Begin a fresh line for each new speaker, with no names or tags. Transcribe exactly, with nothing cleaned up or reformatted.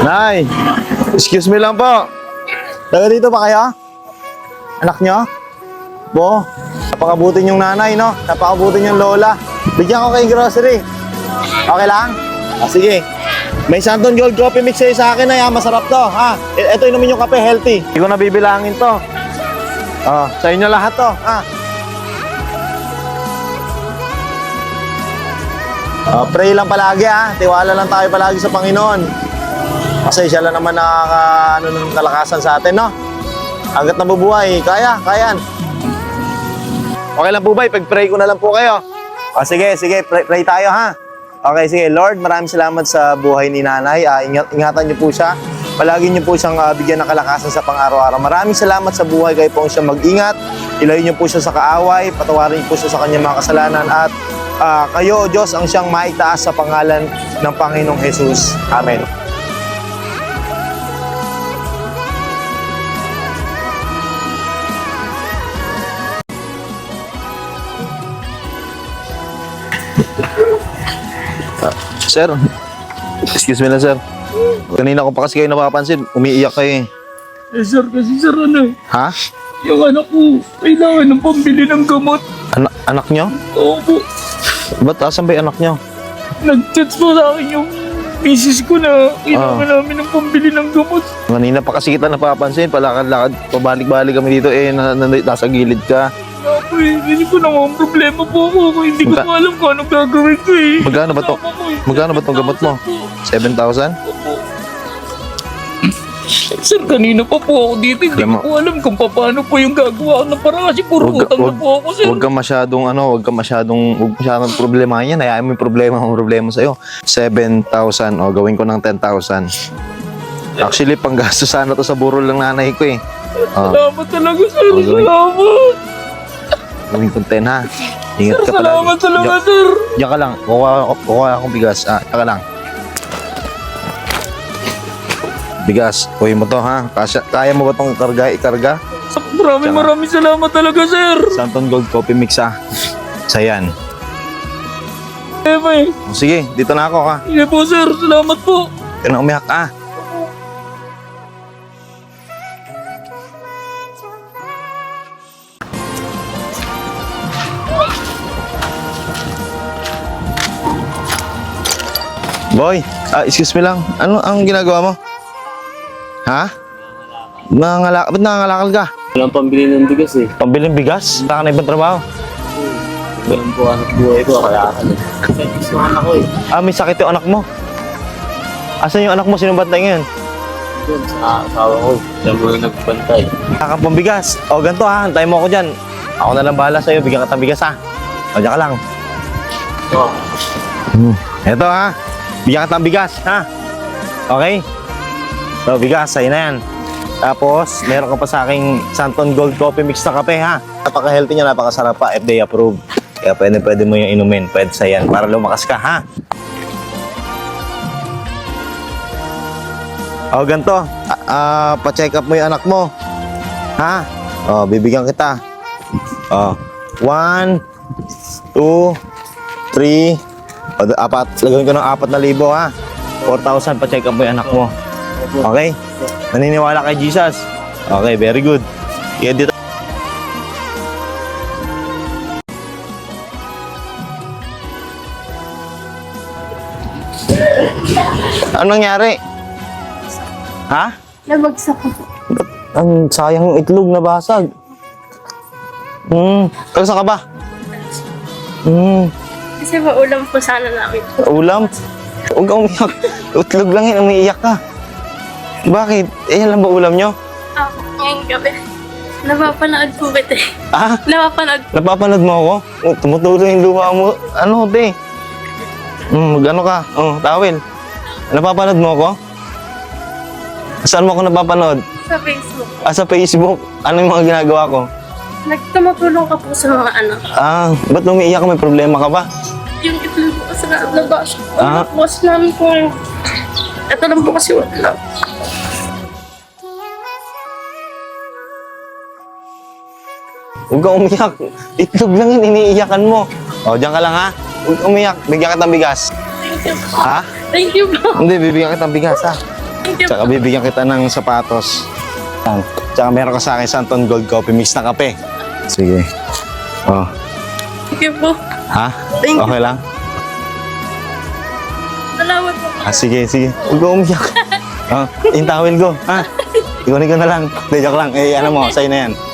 Nay, excuse me lang po. Taga dito ba kayo? Anak nyo? Po, napakabutin yung nanay, no? Napakabutin yung lola. Bigyan ko kayo grocery. Okay lang? Ah, sige. May Santon Gold Coffee Mix sa'yo sa akin na yan. Masarap to, ha? I- Ito inumin yung kape, healthy. Hindi ko nabibilangin to. Oh, sa inyo lahat to, ha? Uh, pray lang palagi, ha? Tiwala lang tayo palagi sa Panginoon. Kasi siya lang naman nakaka, ano, ng kalakasan sa atin, no? Hanggat nabubuhay, kaya, kayan. Okay lang po ba? Ipag-pray ko na lang po kayo. O sige, sige, pray, pray tayo, ha? Okay, sige. Lord, maraming salamat sa buhay ni nanay. Uh, ingat, ingatan niyo po siya. Palagi niyo po siyang uh, bigyan ng kalakasan sa pang-araw-araw. Maraming salamat sa buhay. Kayo po siya mag-ingat. Ilayo niyo po siya sa kaaway. Patawarin niyo po siya sa kanyang mga kasalanan. At uh, kayo, O Diyos, ang siyang maitaas sa pangalan ng Panginoong Jesus. Amen. Sir, excuse me lang, sir. Kanina ko pa kasi kayo napapansin, umiiyak kayo eh.
Eh sir, kasi sir ano eh.
Ha?
Yung anak ko, kailangan ng pambili ng gamot.
Ana- anak nyo?
Oo po.
Ba't asan ba yung anak nyo?
Nag-chat po sa akin yung misis ko na kailangan
Ah.
namin ng pambili ng gamot.
Kanina pa kasi kita napapansin, palakad-lakad, pabalik-balik kami dito eh, na, na, nasa gilid ka.
Nga po eh, hindi ko na ang problema po ako. Hindi ko
Magka-
po alam kung anong gagawin ko eh.
Magkano ba to?
Kasama ko eh.
Magkano ba tong gamot mo? seven thousand?
Opo. Sir, kanina pa po ako dito. Hindi
Alam mo-
ko po alam kung paano po yung gagawa ko ng parang kasi puro
Wag ka-
utang na
wag-
po ako sir.
Huwag ka masyadong ano, huwag ka masyadong, huwag masyadong problema yan. Hayaan mo yung problema, ang problema sa'yo. seven thousand, o gawin ko ng ten thousand. Actually, panggasto sana to sa burol ng nanay ko eh. Oh,
Salamat talaga sir.
Oh, gawin.
Salamat.
gawin ko ten ha. Ingat ka palagi.
Salamat talaga
Diyan-
sir.
Diyan ka lang, kukuha, kukuha akong bigas. Ah, diyan ka lang. Bigas, kuhin mo to ha. Kaya, kaya mo ba itong karga, ikarga?
Maraming
Tsaka-
maraming salamat talaga sir.
Santon Gold Coffee Mix ha. Sa yan.
Eh, may.
O, sige, dito na ako ha.
Sige po sir, salamat po.
Huwag ka na umiyak ah. Boy, ah, excuse me lang. Ano ang ginagawa mo? Ha? Nangangalakal, ba't nangangalakal ka?
Walang pambili ng bigas eh.
Pambiling bigas? Wala ka na ibang trabaho?
Walang po anak buhay ko, kaya ako. Kasi gusto ko anak ko eh.
Ah, may sakit yung anak mo. Asan yung anak mo? Sinong bantay ngayon?
Doon sa asawa ko, siya mo yung nagbantay.
Kakang pambigas. O, ganito ha. Antayin mo ako dyan. Ako na lang bahala sa'yo. Bigyan ka ng bigas ha. O, dyan ka lang.
So,
Hmm. Eto ha. Bigyan ka ng bigas ha. Okay? So, bigas. Sa'yo na yan. Tapos, meron ka pa sa aking Santon Gold Coffee Mix na kape ha. Napaka-healthy niya. Napakasarap pa. F D A approved. Kaya pwede, pwede mo yung inumin. Pwede sa yan. Para lumakas ka ha. O, ganito. Ah, ah, pa-check up mo yung anak mo. Ha? O, bibigyan kita. O, one, two, three, o, apat. Lagawin ko ng apat na libo, ha? four thousand pa-check up mo yung anak mo. Okay? Naniniwala kay Jesus? Okay, very good. Kaya dito. Anong nangyari? Ha?
Nabagsak ko po.
Ang sayang itlog na basag. Hmm. Taga saan ka ba? Hmm.
Kasi maulam po sana namin.
Ulam? Huwag kang umiyak. Itlog lang yun, umiiyak ka. Bakit? Eh, yan lang ba ulam nyo?
Ako, ngayong gabi. Napapanood po kita eh.
Ah?
Napapanood.
Napapanood mo ako? Oh, tumutulo yung luha mo. Ano, te? Hmm, mag-ano ka? Oh, tawel. Napapanood mo ako? Saan mo ako napapanood?
Sa Facebook.
Ah, sa Facebook. Ano yung mga ginagawa ko?
Nagtumutulong ka po sa mga ano.
Ah, ba't umiiyak ka? May problema ka ba?
Yung itlog po kasi na labas.
Ah.
Ano po kasi namin kung... Ito lang po kasi wala.
Huwag kang umiyak. Itlog lang yun, iniiyakan mo. O, diyan ka lang ha. Huwag kang umiyak. Bigyan kita ng bigas.
Thank you po.
Ha?
Thank you po.
Hindi, bibigyan kita ng bigas ha.
Thank you
Tsaka
po.
bibigyan kita ng sapatos. Yan. Tsaka meron ka sa akin Santon Gold Coffee Mix na kape. Sige. Oh.
Thank you po.
Ha?
Thank you.
Okay lang?
Salamat po.
Ah, sige, sige. Huwag ka umiyak. Oh, yung towel ko. Ha? Ikunin ko na lang. Hindi, joke lang. Eh, ano mo, sa'yo na yan.